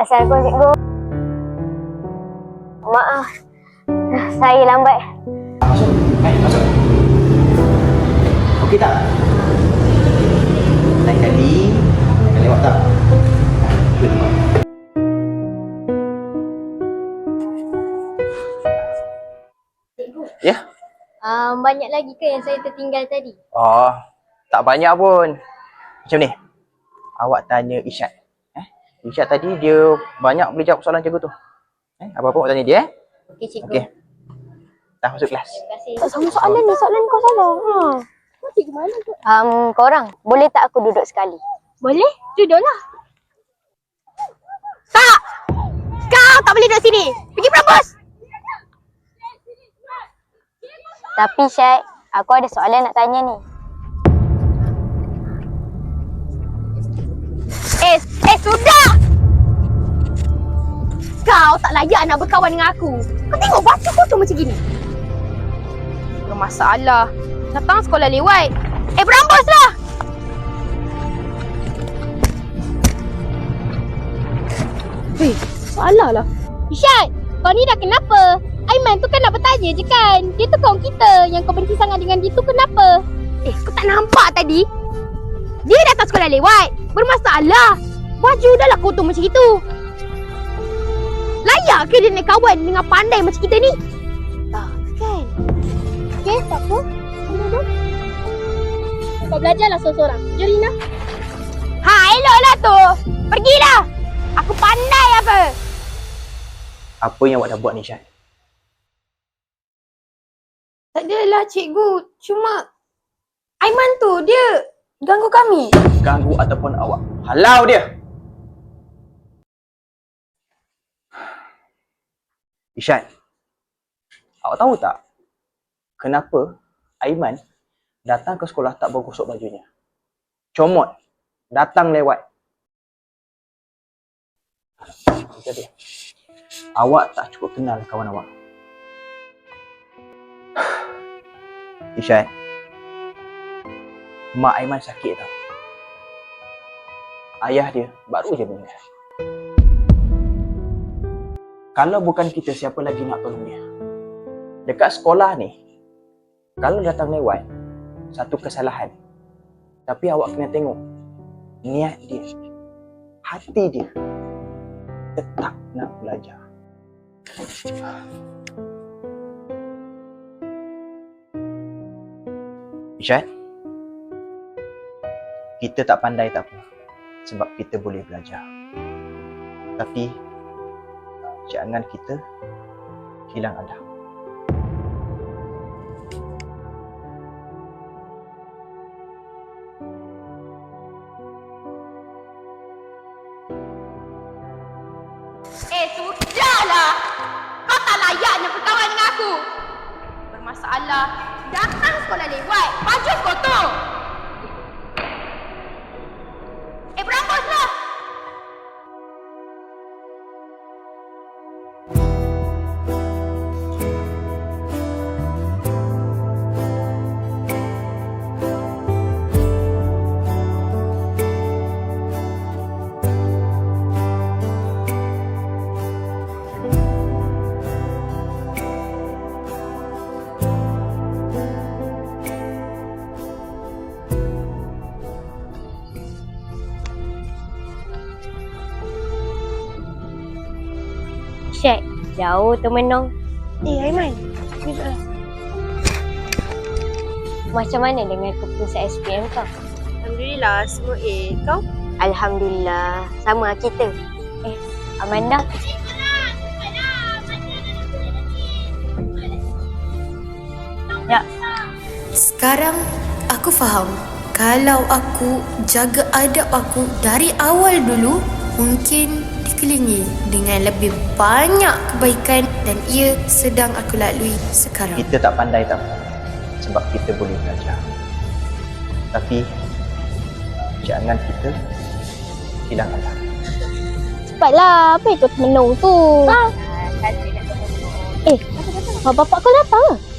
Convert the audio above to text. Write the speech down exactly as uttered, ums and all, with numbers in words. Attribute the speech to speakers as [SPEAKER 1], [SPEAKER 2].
[SPEAKER 1] Assalamualaikum cikgu. Maaf, saya lambat.
[SPEAKER 2] Masuk, hai, masuk. Okey tak? Lain kali, jangan lewat tak? Cuba tengok. Ya?
[SPEAKER 1] Um, banyak lagi ke yang saya tertinggal tadi?
[SPEAKER 2] Oh, tak banyak pun. Macam ni, awak tanya Isyad. Eh? Isyad tadi dia banyak boleh jawab soalan cikgu tu. Eh? Apa-apa awak tanya dia. Eh?
[SPEAKER 1] Okey cikgu.
[SPEAKER 2] Okey. Dah masuk kelas.
[SPEAKER 1] Terima kasih.
[SPEAKER 3] Tak sama soalan ni, soalan kau salah. Ha. Kau cikgu mana tu?
[SPEAKER 1] Um, korang, boleh tak aku duduk sekali?
[SPEAKER 3] Boleh? Duduklah. Tak! Kau tak boleh duduk sini. Pergi perambus!
[SPEAKER 1] Tapi Syed, aku ada soalan nak tanya ni.
[SPEAKER 3] Eh, eh sudah! Kau tak layak nak berkawan dengan aku. Kau tengok batu kotor macam gini. Bermasalah. Datang sekolah lewat. Eh, berambuslah! Hei, salah lah. Isyad, kau ni dah kenapa? Aiman tu kan nak bertanya je kan? Dia tu kawan kita. Yang kau benci sangat dengan dia tu kenapa? Eh, kau tak nampak tadi? Dia datang sekolah lewat. Bermasalah. Baju dah lah kotor macam itu. Layak ke dia nak kawan dengan pandai macam kita ni? Tak kan? Okey, tak apa. Duduk. Kau belajarlah seorang-seorang. Jom Rina. Ha, eloklah tu. Pergilah. Aku pandai apa?
[SPEAKER 2] Apa yang awak dah buat ni, Syad?
[SPEAKER 3] Tak adalah cikgu. Cuma Aiman tu dia ganggu kami.
[SPEAKER 2] Ganggu ataupun awak halau dia. Isyad, awak tahu tak kenapa Aiman datang ke sekolah tak bergosok bajunya? Comot, datang lewat. Jadi, awak tak cukup kenal kawan awak. Isyad, mak Aiman sakit tau. Ayah dia baru je meninggal. Kalau bukan kita, siapa lagi nak tolong dia? Dekat sekolah ni, kalau datang lewat, satu kesalahan. Tapi awak kena tengok niat dia, hati dia tetap nak belajar. Isyad, kita tak pandai tak apa, sebab kita boleh belajar. Tapi jangan kita hilang adab.
[SPEAKER 3] Eh, sudahlah. Kau tak layak nak berkawan dengan aku. Bermasalah. Datang sekolah lewat. Baju kotor. Eh, berambuslah.
[SPEAKER 1] Syed, jauh termenung.
[SPEAKER 3] Eh, Aiman. Duduklah.
[SPEAKER 1] Macam mana dengan keputusan S P M kau?
[SPEAKER 3] Alhamdulillah, semua A. Kau?
[SPEAKER 1] Alhamdulillah, sama kita. Eh, Amanda. Ya,
[SPEAKER 4] Sekarang aku faham. Kalau aku jaga adab aku dari awal dulu, mungkin dikelilingi dengan lebih banyak kebaikan dan ia sedang aku lalui sekarang.
[SPEAKER 2] Kita tak pandai tak apa, sebab kita boleh belajar. Tapi jangan kita hilang adab.
[SPEAKER 3] Cepatlah. Apa ikut menung tu? Ha? Eh, bapak kau datang ke?